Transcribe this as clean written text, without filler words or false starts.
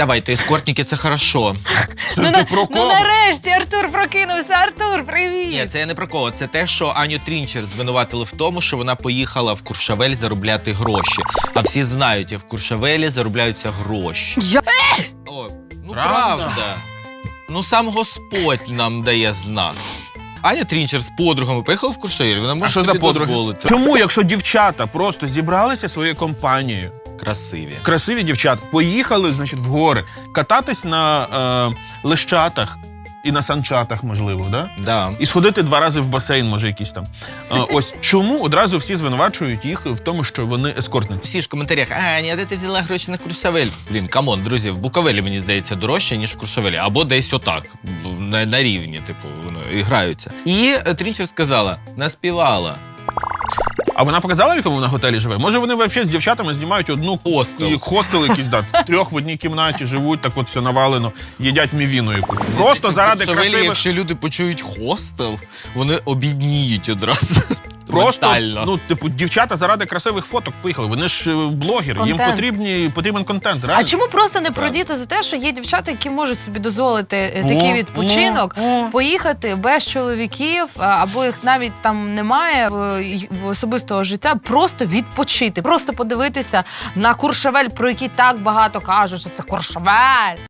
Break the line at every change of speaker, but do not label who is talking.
Давайте, ескортники, це хорошо.
Ну нарешті Артур прокинувся. Артур, привіт!
Ні, це я не про кого. Це те, що Аню Трінчер звинуватили в тому, що вона поїхала в Куршавель заробляти гроші. А всі знають, в Куршавелі заробляються гроші. О, ну правда. Ну сам Господь нам дає знак. Аня Трінчер з подругами поїхала в Куршавель, вона може собі дозволити.
Чому, якщо дівчата просто зібралися своєю компанією, красиві дівчата, поїхали, значить, в гори, кататись на лещатах і на санчатах, можливо, да?
Да.
І сходити 2 рази в басейн, може, якийсь там. Ось чому одразу всі звинувачують їх в тому, що вони ескортниці?
Всі ж в коментарях: Аня, де ти взяла гроші на Куршавель? Блін, камон, друзі, в Буковелі, мені здається, дорожче, ніж в Куршавелі. Або десь отак, на рівні, типу, вони граються. І Трінчер сказала: наспівала.
А вона показала, в якому вона готелі живе? Може, вони взагалі з дівчатами знімають одну хостел якийсь, да, втрьох в одній кімнаті живуть, так от все навалено, їдять мівіну якусь. Просто заради красивих...
Якщо люди почують хостел, вони обідніють одразу.
Просто,
ментально.
ну, типу, дівчата заради красивих фоток поїхали. Вони ж блогери, їм потрібен контент. Реально.
А чому просто не продіти за те, що є дівчата, які можуть собі дозволити такий відпочинок, поїхати без чоловіків, або їх навіть там немає в особистого життя, просто відпочити, просто подивитися на Куршавель, про який так багато кажуть, що це Куршавель.